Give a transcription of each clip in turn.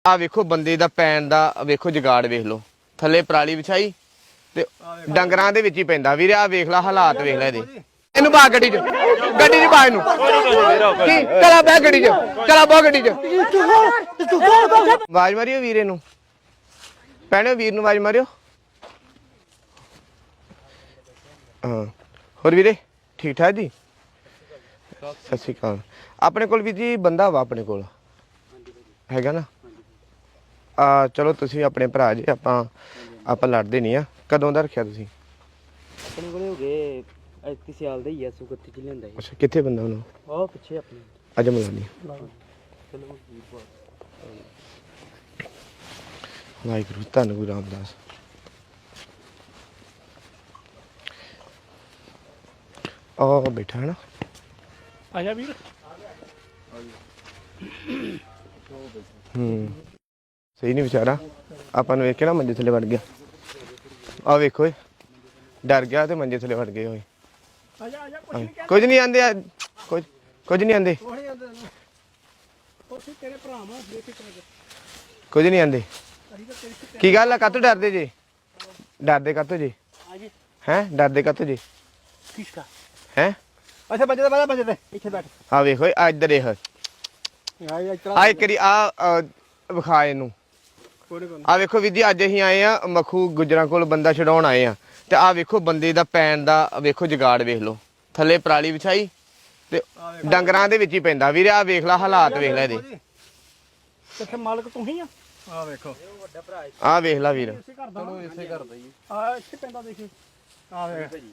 ਆ ਵੇਖੋ ਬੰਦੇ ਦਾ ਪੈਣ ਦਾ ਵੇਖੋ ਜਗਾੜ ਵੇਖ ਲਓ ਥੱਲੇ ਪਰਾਲੀ ਵਿਛਾਈ ਤੇ ਡੰਗਰਾਂ ਦੇ ਵਿੱਚ ਹੀ ਪੈਂਦਾ ਵੀਰੇ ਆ ਵੇਖ ਲੈ ਹਾਲਾਤ ਵੇਖ ਲੈ ਇਹਦੇ ਇਹਨੂੰ ਪਾ ਗੱਡੀ 'ਚ ਪਾ ਇਹਨੂੰ ਕੀ ਚਲਾ ਬੈ ਗੱਡੀ 'ਚ ਚਲਾ ਬਾ ਗੱਡੀ 'ਚ ਆਵਾਜ਼ ਮਾਰਿਓ ਵੀਰੇ ਨੂੰ ਭੈਣੇ ਵੀਰ ਨੂੰ ਆਵਾਜ਼ ਮਾਰਿਓ ਹਾਂ ਹੋਰ ਵੀਰੇ ਠੀਕ ਠਾਕ ਜੀ ਸਤਿ ਸ਼੍ਰੀ ਅਕਾਲ ਆਪਣੇ ਕੋਲ ਵੀ ਜੀ ਬੰਦਾ ਵਾ ਆਪਣੇ ਕੋਲ ਹੈਗਾ ਨਾ ਚਲੋ ਤੁਸੀਂ ਆਪਣੇ ਭਰਾ ਜੀ ਆਪਾਂ ਲੜਦੇ ਨਹੀਂ ਆ ਕਦੋਂ ਦਾ ਰੱਖਿਆ ਤੁਸੀਂ ਆਪਣੇ ਕੋਲੇ ਹੋ ਗਏ 31 ਸਾਲ ਦਾ ਹੀ ਆ ਸੁਗੱਤੀ ਚ ਲੈਂਦਾ ਅੱਛਾ ਕਿੱਥੇ ਬੰਦਾ ਉਹਨੂੰ ਉਹ ਪਿੱਛੇ ਆਪਣੇ ਅੱਜ ਮਿਲਾਨੀ ਚਲੋ ਵਾਹਿਗੁਰੂ ਧੰਨ ਗੁਰੂ ਰਾਮਦਾਸ ਉਹ ਬੈਠਾ ਹੈ ਨਾ ਆਜਾ ਵੀਰ ਸਹੀ ਨਹੀਂ ਵਿਚਾਰਾ ਆਪਾਂ ਨੂੰ ਵੇਖ ਕੇ ਨਾ ਮੰਜੇ ਥੱਲੇ ਵੜ ਗਿਆ ਆ ਵੇਖੋ ਡਰ ਗਿਆ ਤੇ ਮੰਜੇ ਥੱਲੇ ਵੜ ਗਏ ਹੋਏ ਕੁਝ ਨਹੀਂ ਆਂਦੇ ਕੁਝ ਨਹੀਂ ਆਂਦੇ ਕੁਝ ਨਹੀਂ ਆਂਦੇ ਕੀ ਗੱਲ ਆ ਕਾਤੋਂ ਡਰਦੇ ਜੇ ਕਾਤੋਂ ਜੇ ਹੈ ਡਰਦੇ ਕਾਤੋਂ ਜੇ ਕਿਸਕਾ ਹੈ ਅੱਛਾ ਬੰਦੇ ਦਾ ਬੰਦੇ ਤੇ ਇੱਥੇ ਬੈਠ ਆ ਵੇਖੋ ਆ ਇੱਧਰ ਇਹ ਆ ਇੱਕ ਵਾਰੀ ਆ ਵਿਖਾ ਇਹਨੂੰ ਆ ਵੇਖੋ ਵੀਰ ਜੀ ਅੱਜ ਅਸੀਂ ਆਏ ਆ ਮਖੂ ਗੁਜਰਾਂ ਕੋਲ ਬੰਦਾ ਛਡਾਉਣ ਆਏ ਆ ਤੇ ਆ ਵੇਖੋ ਬੰਦੇ ਦਾ ਪੈਣ ਦਾ ਵੇਖੋ ਜਗਾੜ ਵੇਖ ਲਓ ਥੱਲੇ ਪਰਾਲੀ ਵਿਛਾਈ ਤੇ ਡੰਗਰਾਂ ਦੇ ਵਿੱਚ ਹੀ ਪੈਂਦਾ ਵੀਰੇ ਆ ਵੇਖ ਲੈ ਹਾਲਾਤ ਵੇਖ ਲੈ ਇਹਦੇ ਕਿੱਥੇ ਮਾਲਕ ਤੂੰ ਹੀ ਆ ਵੇਖੋ ਵੱਡਾ ਭਰਾ ਆ ਵੇਖ ਲੈ ਵੀਰ ਚਲੋ ਇਸੇ ਘਰ ਦਾ ਹੀ ਆ ਇੱਥੇ ਪੈਂਦਾ ਦੇਖੀ ਆ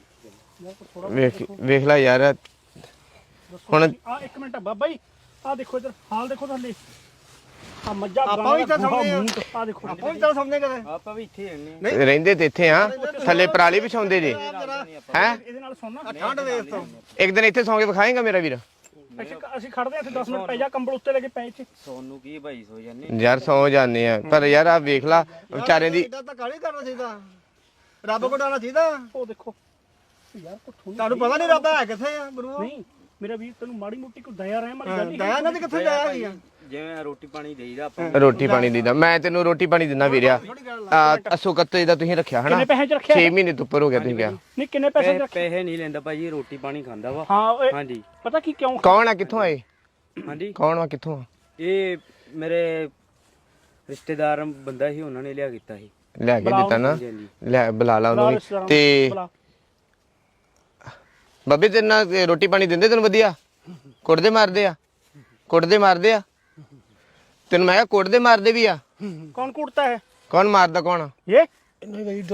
ਵੇਖ ਲੈ ਯਾਰ ਹੁਣ ਆ ਇੱਕ ਮਿੰਟ ਬਾਬਾ ਜੀ ਆ ਦੇਖੋ ਇਧਰ ਹਾਲ ਦੇਖੋ ਥੱਲੇ ਆ ਮੱਝਾਂ ਆਪਾਂ ਵੀ ਤਾਂ ਸਮਝਦੇ ਆ ਦੇਖੋ ਆਪਾਂ ਵੀ ਤਾਂ ਸਮਝਦੇ ਕਦੇ ਆਪਾਂ ਵੀ ਇੱਥੇ ਰਹਿੰਦੇ ਰਹਿੰਦੇ ਤੇ ਇੱਥੇ ਆ ਥੱਲੇ ਪਰਾਲੀ ਵਿਛਾਉਂਦੇ ਜੇ ਹੈ ਇਹਦੇ ਨਾਲ ਸੁਣਨਾ ਠੰਡ ਵੇਖ ਤੋਂ ਇੱਕ ਦਿਨ ਇੱਥੇ ਸੌਂ ਕੇ ਵਿਖਾਏਗਾ ਮੇਰਾ ਵੀਰ ਅਸੀਂ ਖੜਦੇ ਇੱਥੇ 10 ਮਿੰਟ ਪੈ ਜਾ ਕੰਬਲ ਉੱਤੇ ਲੈ ਕੇ ਪੈ ਇੱਥੇ ਸੋਨੂੰ ਕੀ ਭਾਈ ਸੋ ਜਾਂਦੇ ਯਾਰ ਸੌ ਜਾਂਦੇ ਆ ਪਰ ਯਾਰ ਆ ਵੇਖ ਲਾ ਵਿਚਾਰੇ ਦੀ ਇਦਾਂ ਤਾਂ ਕਾਹਲੀ ਕਰਨਾ ਚਾਹੀਦਾ ਰੱਬ ਕੋਲ ਡਾਣਾ ਚਾਹੀਦਾ ਉਹ ਦੇਖੋ ਯਾਰ ਤੁਹਾਨੂੰ ਪਤਾ ਨਹੀਂ ਰੱਬ ਹੈ ਕਿੱਥੇ ਆ ਗੁਰੂ ਨਹੀਂ ਮੇਰਾ ਵੀਰ ਤੈਨੂੰ ਮਾੜੀ ਮੋਟੀ ਕੋਈ ਦਇਆ ਰਹਿ ਮਾਰੀ ਗੱਲ ਦਇਆ ਨਾ ਤੇ ਕਿੱਥੇ ਦਇਆ ਹੈਗੀ ਆ ਜਿਵੇਂ ਰੋਟੀ ਪਾਣੀ ਦੇਈਦਾ ਆਪਾਂ ਰੋਟੀ ਪਾਣੀ ਦੀਦਾ ਮੈਂ ਤੈਨੂੰ ਰੋਟੀ ਪਾਣੀ ਦਿੰਦਾ ਵੀਰਿਆ ਅਸੋ ਕੱਤੇ ਦਾ ਤੁਸੀਂ ਰੱਖਿਆ ਹਨਾ ਕਿੰਨੇ ਪੈਸੇ ਚ ਰੱਖਿਆ 6 ਮਹੀਨੇ ਤੋਂ ਉੱਪਰ ਹੋ ਗਿਆ ਤੁਸੀਂ ਕਿਹਾ ਨਹੀਂ ਕਿੰਨੇ ਪੈਸੇ ਪੈਸੇ ਨਹੀਂ ਲੈਂਦਾ ਭਾਜੀ ਰੋਟੀ ਪਾਣੀ ਖਾਂਦਾ ਵਾ ਹਾਂ ਹਾਂਜੀ ਪਤਾ ਕੀ ਕਿਉਂ ਕੌਣ ਆ ਕਿੱਥੋਂ ਆਏ ਹਾਂਜੀ ਕੌਣ ਆ ਕਿੱਥੋਂ ਆ ਇਹ ਮੇਰੇ ਰਿਸ਼ਤੇਦਾਰ ਬੰਦਾ ਸੀ ਉਹਨਾਂ ਨੇ ਲਿਆ ਕੀਤਾ ਸੀ ਲੈ ਕੇ ਦਿੱਤਾ ਨਾ ਲੈ ਬੁਲਾ ਲਾ ਉਹਨੂੰ ਤੇ ਬੱਬੇ ਤੇਰੇ ਨਾਲ ਰੋਟੀ ਪਾਣੀ ਦਿੰਦੇ ਤੈਨੂੰ ਵਧੀਆ ਕੁੱਟਦੇ ਮਾਰਦੇ ਆ ਤੈਨੂੰ ਮੈਂ ਕਿਹਾ ਕੁੱਟਦੇ ਮਾਰਦੇ ਵੀ ਆ ਕੌਣ ਕੁੱਟਦਾ ਹੈ ਕੌਣ ਮਾਰਦਾ ਕੌਣ ਇਹ ਨਹੀਂ ਭਾਈ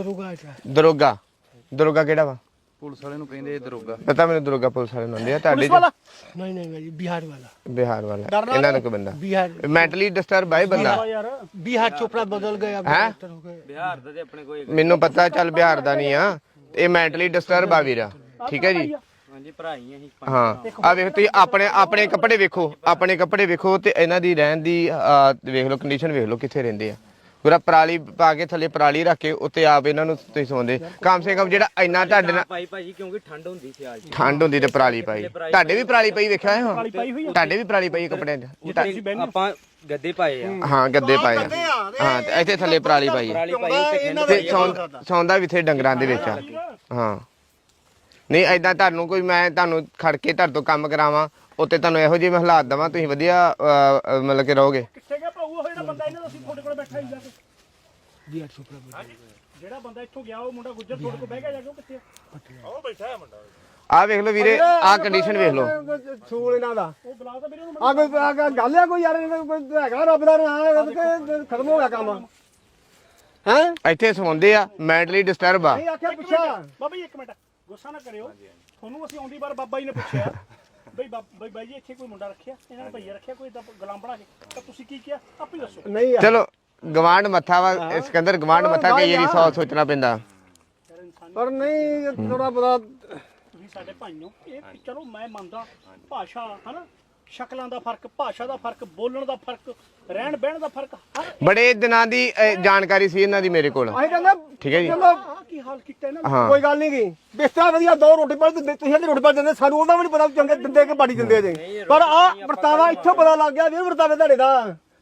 ਦਰੋਗਾ ਕਿਹੜਾ ਵਾ ਪੁਲਿਸ ਵਾਲੇ ਨੂੰ ਕਹਿੰਦੇ ਦਰੋਗਾ ਪਤਾ ਮੈਨੂੰ ਦਰੋਗਾ ਪੁਲਿਸ ਵਾਲੇ ਨੂੰ ਹੁੰਦੇ ਆ ਤੁਹਾਡੇ ਨਹੀਂ ਭਾਈ ਬਿਹਾਰ ਵਾਲਾ ਇਹਨਾਂ ਦਾ ਕੋਈ ਬੰਦਾ ਮੈਂਟਲੀ ਡਿਸਟਰਬ ਹੈ ਬੰਦਾ ਬਿਹਾਰ ਚੋਪੜਾ ਬਦਲ ਗਿਆ ਹੈ ਬਿਹਾਰ ਦਾ ਤੇ ਆਪਣੇ ਕੋਈ ਮੈਨੂੰ ਪਤਾ ਚੱਲ ਬਿਹਾਰ ਦਾ ਨਹੀਂ ਆ ਇਹ ਮੈਂਟਲੀ ਡਿਸਟਰਬ ਆ ਵੀਰਾ ਠੀਕ ਹੈ ਜੀ ਹਾਂਜੀ ਭਰਾ ਹੀ ਅਸੀਂ ਹਾਂ ਆ ਵੇਖ ਤੁਸੀਂ ਆਪਣੇ ਕੱਪੜੇ ਵੇਖੋ ਤੇ ਇਹਨਾਂ ਦੀ ਰਹਿਣ ਦੀ ਵੇਖ ਲਓ ਕੰਡੀਸ਼ਨ ਵੇਖ ਲਓ ਕਿੱਥੇ ਰਹਿੰਦੇ ਆ ਪੂਰਾ ਪਰਾਲੀ ਪਾ ਕੇ ਥੱਲੇ ਪਰਾਲੀ ਰੱਖ ਕੇ ਉੱਤੇ ਆਪ ਇਹਨਾਂ ਨੂੰ ਤੁਸੀਂ ਸੌਂਦੇ ਕਮ ਸੇ ਕਮ ਜਿਹੜਾ ਇੰਨਾ ਤੁਹਾਡੇ ਨਾਲ ਭਾਈ ਕਿਉਂਕਿ ਠੰਡ ਹੁੰਦੀ ਸੀ ਅੱਜ ਠੰਡ ਹੁੰਦੀ ਤੇ ਪਰਾਲੀ ਪਾਈ ਤੁਹਾਡੇ ਵੀ ਪਰਾਲੀ ਪਈ ਵੇਖਿਆ ਹੈ ਤੁਹਾਡੇ ਵੀ ਪਰਾਲੀ ਪਈ ਕੱਪੜਿਆਂ 'ਚ ਆਪਾਂ ਗੱਦੇ ਪਾਏ ਆ ਹਾਂ ਗੱਦੇ ਪਾਏ ਹਾਂ ਤੇ ਇੱਥੇ ਥੱਲੇ ਪਰਾਲੀ ਪਾਈ ਤੇ ਸੌਂਦਾ ਵੀ ਇੱਥੇ ਡੰਗਰਾਂ ਦੇ ਵਿੱਚ ਆ ਹਾਂ ਨਹੀਂ ਏਦਾਂ ਤੁਹਾਨੂੰ ਕੋਈ ਮੈਂ ਤੁਹਾਨੂੰ ਖੜ ਕੇ ਤੁਹਾਡੇ ਤੋਂ ਕੰਮ ਕਰਾਵਾਂ ਉੱਤੇ ਤੁਹਾਨੂੰ ਇਹੋ ਜਿਹੇ ਮੈਂ ਹਾਲਾਤ ਦੇਵਾਂ ਤੁਸੀਂ ਵਧੀਆ ਮਤਲਬ ਕਿ ਰਹੋਗੇ ਕਿੱਥੇ ਗਿਆ ਭਾਊ ਉਹ ਜਿਹੜਾ ਬੰਦਾ ਇਹਨਾਂ ਦਾ ਅਸੀਂ ਤੁਹਾਡੇ ਕੋਲ ਬੈਠਾ ਹੀ ਜਾ ਕੇ ਜੀ 800 ਜਿਹੜਾ ਬੰਦਾ ਇੱਥੋਂ ਗਿਆ ਉਹ ਮੁੰਡਾ ਗੁੱਜਰ ਤੁਹਾਡੇ ਕੋਲ ਬਹਿ ਗਿਆ ਜਾ ਕੇ ਉਹ ਕਿੱਥੇ ਆ ਉਹ ਬੈਠਾ ਹੈ ਮੁੰਡਾ ਆ ਵੇਖ ਲਓ ਵੀਰੇ ਆ ਕੰਡੀਸ਼ਨ ਵੇਖ ਲਓ ਸੂਲ ਇਹਨਾਂ ਦਾ ਉਹ ਬੁਲਾ ਤਾਂ ਵੀਰੇ ਨੂੰ ਆ ਕੋਈ ਗੱਲ ਆ ਕੋਈ ਯਾਰ ਹੈਗਾ ਰੱਬ ਦਾ ਨਾਮ ਖਤਮ ਹੋ ਗਿਆ ਕੰਮ ਹੈ ਇੱਥੇ ਸੌਂਦੇ ਆ ਮੈਂਟਲੀ ਡਿਸਟਰਬ ਆ ਨਹੀਂ ਆਖਿਆ ਪੁੱਛਿਆ ਬਾਬਾ ਜੀ ਇੱਕ ਮਿੰਟ ਗੁੱਸਾ ਨਾ ਕਰਿਓ ਤੁਹਾਨੂੰ ਅਸੀਂ ਆਉਂਦੀ ਵਾਰ ਬਾਬਾ ਜੀ ਨੇ ਪੁੱਛਿਆ ਬਈ ਬਾਈ ਜੀ ਇੱਥੇ ਕੋਈ ਮੁੰਡਾ ਰੱਖਿਆ ਇਹਨਾਂ ਨੇ ਭਈਆ ਰੱਖਿਆ ਕੋਈ ਗੁਲਾਮ ਬਣਾ ਕੇ ਤਾਂ ਤੁਸੀਂ ਕੀ ਕਿਹਾ ਆਪੇ ਦੱਸੋ ਨਹੀਂ ਚਲੋ ਗਵਾਂਡ ਮੱਥਾ ਵਾ ਸਿਕੰਦਰ ਗਵਾਂਡ ਮੱਥਾ ਕਈ ਵਾਰੀ ਸੋਚਣਾ ਪੈਂਦਾ ਪਰ ਨਹੀਂ ਥੋੜਾ ਬੜਾ ਤੁਸੀਂ ਸਾਡੇ ਭਾਈਓ ਇਹ ਚਲੋ ਮੈਂ ਮੰਨਦਾ ਭਾਸ਼ਾ ਹਨਾ ਸ਼ਕਲਾਂ ਦਾ ਫਰਕ ਭਾਸ਼ਾ ਦਾ ਫਰਕ ਬੋਲਣ ਦਾ ਫਰਕ ਰਹਿਣ ਬਹਿਣ ਦਾ ਫਰਕ ਬੜੇ ਦਿਨਾਂ ਦੀ ਜਾਣਕਾਰੀ ਸੀ ਇਹਨਾਂ ਦੀ ਮੇਰੇ ਕੋਲ ਠੀਕ ਹੈ ਜੀ ਕੀ ਹਾਲ ਕੀਤਾ ਇਹਨਾਂ ਕੋਈ ਗੱਲ ਨਹੀਂ ਗਈ ਬਿਸਤਰਾ ਵਧੀਆ ਦੋ ਰੋਟੀ ਪਾਣੀ ਦਿੰਦੇ ਤੁਸੀਂ ਰੋਟੀ ਪਾਣੀ ਦਿੰਦੇ ਸਾਨੂੰ ਉਹਦਾ ਵੀ ਨਹੀਂ ਪਤਾ ਚੰਗੇ ਦਿੰਦੇ ਕਿ ਬਾੜੀ ਦਿੰਦੇ ਜੇ ਪਰ ਆ ਵਰਤਾਵਾ ਇੱਥੋਂ ਪਤਾ ਲੱਗ ਗਿਆ ਵੀ ਵਰਤਾਵੇ ਤੁਹਾਡੇ ਦਾ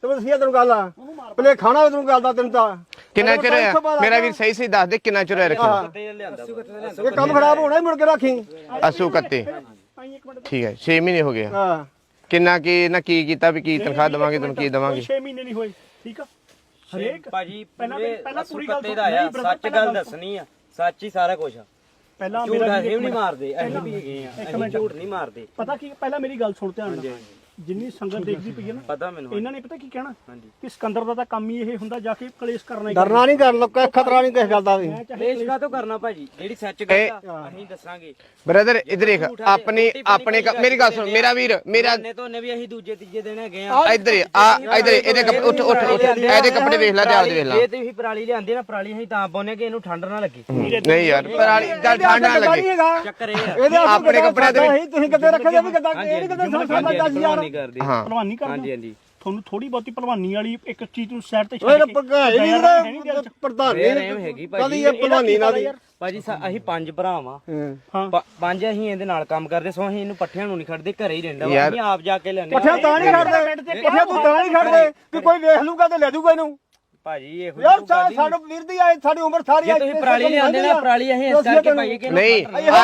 ਤੂੰ ਦੱਸਿਆ ਤੈਨੂੰ ਗੱਲ ਆ ਭਲੇ ਖਾਣਾ ਤੈਨੂੰ ਗੱਲ ਦਾ ਤੈਨੂੰ ਤਾਂ ਕਿੰਨਾ ਚਿਰ ਹੋਇਆ ਮੇਰਾ ਵੀਰ ਸਹੀ ਸਹੀ ਦੱਸ ਦੇ ਕਿੰਨਾ ਚਿਰ ਹੋਇਆ ਰੱਖੀ ਇਹ ਕੰਮ ਖਰਾਬ ਹੋਣਾ ਹੀ ਮੁੜ ਕੇ ਰੱਖੀ ਅਸੂ ਕੱਤੇ ਠੀਕ ਹੈ 6 ਮਹੀਨੇ ਹੋ ਗਏ ਆ। ਹਾਂ ਕਿੰਨਾ ਕੀ ਨਾ ਕੀ ਕੀਤਾ ਵੀ ਕੀ ਤਨਖਾਹ ਦੇਵਾਂਗੇ ਤੈਨੂੰ ਕੀ ਦੇਵਾਂਗੇ 6 ਮਹੀਨੇ ਨਹੀਂ ਹੋਏ ਠੀਕ ਆ ਹਰੇਕ ਭਾਜੀ ਪਹਿਲਾਂ ਪੂਰੀ ਗੱਲ ਦਾ ਆ ਸੱਚ ਗੱਲ ਦੱਸਣੀ ਆ ਸੱਚ ਹੀ ਸਾਰਾ ਕੁਝ ਆ ਪਹਿਲਾਂ ਝੂਠ ਮੇਰਾ ਅਸੀਂ ਵੀ ਨਹੀਂ ਮਾਰਦੇ ਅਸੀਂ ਵੀ ਹੈਗੇ ਆ ਅਸੀਂ ਝੂਠ ਨਹੀਂ ਮਾਰਦੇ ਪਤਾ ਕੀ ਪਹਿਲਾਂ ਮੇਰੀ ਗੱਲ ਸੁਣ ਧਿਆਨ ਨਾਲ ਜਿੰਨੀ ਸੰਗਤ ਦੇਖਦੀ ਪਈ ਹੈ ਨਾ ਪਤਾ ਮੈਨੂੰ ਇਹਨਾਂ ਨੇ ਪਤਾ ਕੀ ਕਹਿਣਾ ਕਿ ਸਿਕੰਦਰ ਦਾ ਤਾਂ ਕੰਮ ਹੀ ਇਹ ਹੁੰਦਾ ਜਾ ਕੇ ਕਲੇਸ਼ ਕਰਨਾ ਹੀ ਡਰਨਾ ਨਹੀਂ ਕਰ ਲੋਕਾਂ ਖਤਰਾ ਨਹੀਂ ਕਿਸੇ ਗੱਲ ਦਾ ਵੀ ਕਲੇਸ਼ ਕਾਹਤੋਂ ਕਰਨਾ ਭਾਜੀ ਜਿਹੜੀ ਸੱਚ ਗੱਲ ਆ ਅਸੀਂ ਦੱਸਾਂਗੇ ਬ੍ਰਦਰ ਇਧਰ ਦੇਖ ਆਪਣੀ ਆਪਣੇ ਮੇਰੀ ਗੱਲ ਸੁਣ ਮੇਰਾ ਵੀਰ ਮੇਰਾ ਨੇ ਤੋਂ ਨੇ ਵੀ ਅਸੀਂ ਦੂਜੇ ਤੀਜੇ ਦਿਨ ਹੈਗੇ ਆ ਇਧਰ ਆ ਇਧਰ ਇਹਦੇ ਉੱਠ ਉੱਠ ਉੱਠ ਇਹਦੇ ਕੱਪੜੇ ਵੇਖ ਲੈ ਤੇ ਆਪਦੇ ਵੇਖ ਲੈ ਜੇ ਤੁਸੀਂ ਪਰਾਲੀ ਲਿਆਂਦੇ ਨਾ ਪਰਾਲੀ ਅਸੀਂ ਤਾਂ ਪਾਉਨੇ ਕਿ ਇਹਨੂੰ ਠੰਡ ਨਾ ਲੱਗੇ ਨਹੀਂ ਯਾਰ ਪਰਾਲੀ ਚੱਲ ਠੰਡ ਨਾ ਲੱਗੇ ਚੱਕਰ ਇਹ ਆ ਇਹਦੇ ਆਪਣੇ ਕੱਪੜਿਆਂ ਦੇ ਵਿੱਚ ਤੁਸੀਂ ਕਿੱਥੇ ਰੱਖਦੇ ਵੀ ਕਿੱਦਾਂ ਇਹ ਨਹੀਂ ਕਿੱਦਾਂ ਸਾਡਾ 10000 ਨਹੀਂ ਕਰਦੇ ਹਾਂ ਭਲਵਾਨੀ ਕਰਨਾ ਹਾਂਜੀ ਹਾਂਜੀ ਤੁਹਾਨੂੰ ਥੋੜੀ ਬਹੁਤੀ ਭਲਵਾਨੀ ਵਾਲੀ ਇੱਕ ਚੀਜ਼ ਨੂੰ ਸਾਈਡ ਤੇ ਓਏ ਛੱਡ ਕੇ ਪੱਕਾ ਨਹੀਂ ਪ੍ਰਧਾਨ ਇਹ ਹੈਗੀ ਕਦੀ ਭਾਜੀ ਇਹ ਭਲਵਾਨੀ ਨਾਲ ਦੀ ਭਾਜੀ ਅਸੀਂ 5 ਭਰਾ ਵਾਂ ਹਾਂ ਪੰਜ ਅਸੀਂ ਇਹਦੇ ਨਾਲ ਕੰਮ ਕਰਦੇ ਸੋ ਅਸੀਂ ਇਹਨੂੰ ਪੱਠਿਆਂ ਨੂੰ ਨਹੀਂ ਖੜਦੇ ਘਰੇ ਹੀ ਰਹਿੰਦਾ ਵਾ ਯਾਰ। ਅਸੀਂ ਆਪ ਜਾ ਕੇ ਲੈਣੇ ਪੱਠਿਆਂ ਤਾਂ ਨਹੀਂ ਖੜਦੇ ਪੱਠਿਆਂ ਤੂੰ ਤਾਂ ਨਹੀਂ ਖੜਦੇ ਕਿ ਕੋਈ ਵੇਖ ਲੂਗਾ ਤੇ ਲੈ ਜੂਗਾ ਇਹਨੂੰ ਭਾਜੀ ਇਹੋ ਯਾਰ ਸਾਡੇ ਵੀਰ ਦੀ ਆਏ ਸਾਡੀ ਉਮਰ ਸਾਰੀ ਜੇ ਤੁਸੀਂ ਪਰਾਲੀ ਲਿਆਂਦੇ ਨਾ ਪਰਾਲੀ ਅਸੀਂ ਇਸ ਕਰਕੇ ਪਾਈਏ ਕਿ ਨਹੀਂ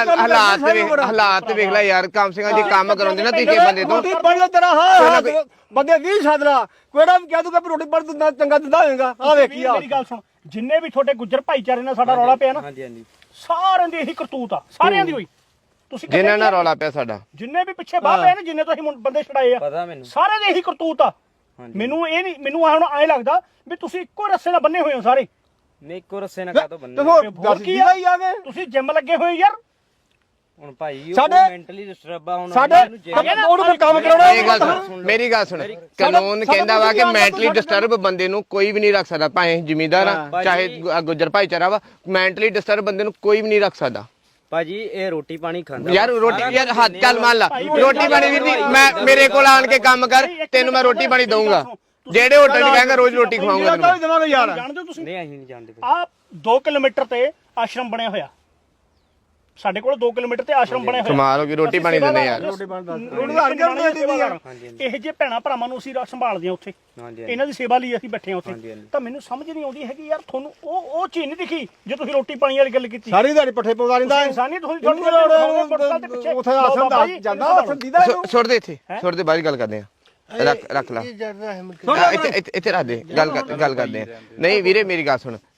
ਹਾਲਾਤ ਵੇਖ ਲੈ ਯਾਰ ਕੰਮ ਸਿੰਘਾਂ ਜੀ ਕੰਮ ਕਰਾਉਂਦੇ ਨਾ ਤੀਕੇ ਬੰਦੇ ਤੋਂ ਰੋਟੀ ਪੜ ਲੈ ਤੇਰਾ ਹਾਂ ਬੰਦੇ 20 ਸਾਦਰਾ ਕੋੜਾ ਵੀ ਕਹਿ ਦੂਗਾ ਵੀ ਰੋਟੀ ਪੜ ਦਿੰਦਾ ਚੰਗਾ ਦਿੰਦਾ ਹੋਏਗਾ ਆ ਵੇਖੀ ਆ ਮੇਰੀ ਗੱਲ ਸੁਣ ਜਿੰਨੇ ਵੀ ਤੁਹਾਡੇ ਗੁੱਜਰ ਭਾਈਚਾਰੇ ਨਾਲ ਸਾਡਾ ਰੌਲਾ ਪਿਆ ਨਾ ਹਾਂਜੀ ਹਾਂਜੀ ਸਾਰਿਆਂ ਦੀ ਇਹੀ ਕਰਤੂਤ ਆ ਸਾਰਿਆਂ ਦੀ ਹੋਈ ਤੁਸੀਂ ਜਿਨ੍ਹਾਂ ਨਾਲ ਰੌਲਾ ਪਿਆ ਸਾਡਾ ਜਿੰਨੇ ਵੀ ਪਿੱਛੇ ਬਾਹ ਪਏ ਨੇ ਜਿੰਨੇ ਤੁਸੀਂ ਬੰਦੇ ਛੜਾਏ ਆ ਪਤਾ ਮੈਨੂੰ ਸਾਰਿਆਂ ਦੀ ਇਹੀ ਕਰਤੂਤ ਆ ਮੈਨੂੰ ਇਹ ਨਹੀਂ ਮੈਨੂੰ ਹੁਣ ਐ ਲੱਗਦਾ ਵੀ ਤੁਸੀਂ ਇੱਕੋ ਰੱਸੇ ਨਾਲ ਬੰਨੇ ਹੋਏ ਹੋ ਸਾਰੇ ਨਹੀਂ ਇੱਕੋ ਰੱਸੇ ਨਾਲ ਕਾਹਤੋਂ ਬੰਨੇ ਤੇ ਹੋਰ ਦੱਸ ਕੀ ਆ ਹੀ ਆ ਗਏ ਤੁਸੀਂ ਜਿੰਮ ਲੱਗੇ ਹੋਏ ਯਾਰ ਹੁਣ ਭਾਈ ਉਹ ਸਾਡੇ- ਮੈਂਟਲੀ ਡਿਸਟਰਬ ਆ ਹੁਣ ਸਾਡੇ ਉਹਨੂੰ ਕੋਈ ਕੰਮ ਕਰਾਉਣਾ ਇਹ ਗੱਲ ਸੁਣ ਮੇਰੀ ਗੱਲ ਸੁਣ ਕਾਨੂੰਨ ਕਹਿੰਦਾ ਵਾ ਕਿ ਮੈਂਟਲੀ ਡਿਸਟਰਬ ਬੰਦੇ ਨੂੰ ਕੋਈ ਵੀ ਨਹੀਂ ਰੱਖ ਸਕਦਾ ਭਾਵੇਂ ਜ਼ਿਮੀਂਦਾਰ ਆ ਚਾਹੇ ਗੁੱਜਰ ਭਾਈਚਾਰਾ ਵਾ ਮੈਂਟਲੀ ਡਿਸਟਰਬ ਬੰਦੇ ਨੂੰ ਕੋਈ ਵੀ ਨਹੀਂ ਰੱਖ ਸਕਦਾ ਭਾਜੀ ਇਹ ਰੋਟੀ ਪਾਣੀ ਖਾਂਦਾ ਯਾਰ ਰੋਟੀ ਯਾਰ ਹੱਥ ਚੱਲ ਮੰਨ ਲਾ ਰੋਟੀ ਪਾਣੀ ਵੀਰ ਜੀ ਮੈਂ ਮੇਰੇ ਕੋਲ ਆਣ ਕੇ ਕੰਮ ਕਰ ਤੈਨੂੰ ਮੈਂ ਰੋਟੀ ਪਾਣੀ ਦਊਂਗਾ ਜਿਹੜੇ ਹੋਟਲ 'ਚ ਕਹਾਂਗਾ ਰੋਜ਼ ਰੋਟੀ ਖਵਾਉਂਗਾ ਤੈਨੂੰ ਦੇਵਾਂਗੇ ਯਾਰ ਜਾਣਦੇ ਹੋ ਤੁਸੀਂ ਨਹੀਂ ਅਸੀਂ ਨਹੀਂ ਜਾਣਦੇ ਆ 2 ਕਿਲੋਮੀਟਰ ਤੇ ਆਸ਼ਰਮ ਬਣਿਆ ਹੋਇਆ ਸਾਡੇ ਕੋਲ 2 ਕਿਲੋਮੀਟਰ ਤੇ ਆਸ਼ਰਮ ਬਣਿਆ ਹੋਇਆ ਕਮਾਲ ਹੋ ਗਈ ਰੋਟੀ ਪਾਣੀ ਦਿੰਦੇ ਯਾਰ ਰੋਟੀ ਹਰ ਕੇ ਦਿੰਦੀ ਯਾਰ ਇਹ ਜੇ ਭੈਣਾ ਭਰਾਵਾਂ ਨੂੰ ਅਸੀਂ ਸੰਭਾਲਦੇ ਆ ਉੱਥੇ ਹਾਂਜੀ ਇਹਨਾਂ ਦੀ ਸੇਵਾ ਲਈ ਅਸੀਂ ਬੈਠੇ ਆ ਉੱਥੇ ਤਾਂ ਮੈਨੂੰ ਸਮਝ ਨਹੀਂ ਆਉਂਦੀ ਹੈਗੀ ਯਾਰ ਤੁਹਾਨੂੰ ਉਹ ਚੀਜ਼ ਨਹੀਂ ਦਿਖੀ ਜੇ ਤੁਸੀਂ ਰੋਟੀ ਪਾਣੀ ਵਾਲੀ ਗੱਲ ਕੀਤੀ ਸਾਰੀ ਦਿਹਾੜੀ ਪੱਠੇ ਪਵਾ ਦਿੰਦਾ ਇਨਸਾਨੀਅਤ ਹੋਈ ਉੱਥੇ ਆਸਨ ਦਾ ਜਾਂਦਾ ਆਸਨ ਦੀਦਾ ਇਹਨੂੰ ਸੁੱਟ ਦੇ ਇੱਥੇ ਸੁੱਟ ਦੇ ਬਾਅਦ ਗੱਲ ਕਰਦੇ ਆ ਰੱਖ ਲਾ ਇੱਥੇ ਰੱਖ ਦੇ ਗੱਲ ਕਰਦੇ ਆ ਨਹੀਂ ਵੀਰੇ ਮੇਰੀ ਗੱਲ ਸੁਣ